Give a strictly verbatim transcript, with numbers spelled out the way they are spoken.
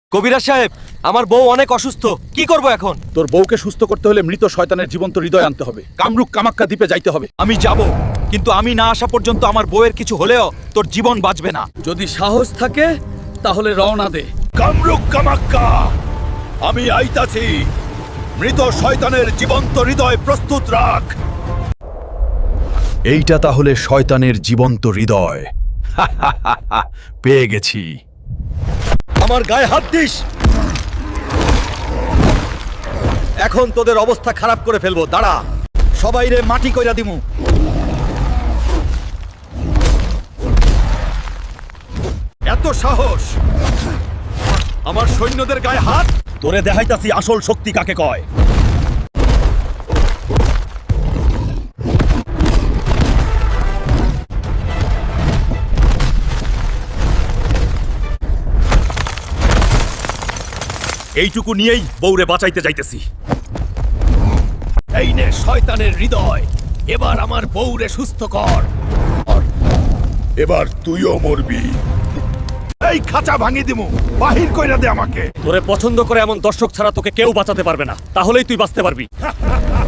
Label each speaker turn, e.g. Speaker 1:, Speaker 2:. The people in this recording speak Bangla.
Speaker 1: কবিরাজ সাহেব, আমার বউ অনেক অসুস্থ, কি করব এখন?
Speaker 2: তোর বউকে সুস্থ করতে হলে মৃত শয়তানের জীবন্ত হৃদয় আনতে হবে। কামরূপ কামাক্কা দ্বীপে যাইতে হবে।
Speaker 1: আমি যাব, কিন্তু আমি না আসা পর্যন্ত আমার বউয়ের কিছু হলেও তোর জীবন বাঁচবে না।
Speaker 2: যদি সাহস থাকে তাহলে রওনা দে।
Speaker 3: কামরূপ কামাক্কা, আমি আইতাছি। মৃত শয়তানের জীবন্ত হৃদয় প্রস্তুত রাখ।
Speaker 4: এইটা তাহলে শয়তানের জীবন্ত হৃদয়। পেয়ে গেছি।
Speaker 1: আমার গায়ে হাত দিস, এখন তোদের অবস্থা খারাপ করে ফেলবো। দাঁড়া, সবাই রে মাটি কইরা দিমু। এত সাহস আমার সৈন্যদের গায়ে হাত!
Speaker 3: তোরে দেখাইতাছি আসল শক্তি কাকে কয়। এইটুকু নিয়েই বউরে বাঁচাইতে যাইতেছি। এই নে শয়তানের হৃদয়, এবার আমার বউরে সুস্থ কর। এবার তুইও মরবি। এই খাঁচা ভাঙি দিমু, বাহির কইরা দে আমাকে।
Speaker 1: তোরে পছন্দ করে এমন দর্শক ছাড়া তোকে কেউ বাঁচাতে পারবে না, তাহলেই তুই বাঁচতে পারবি।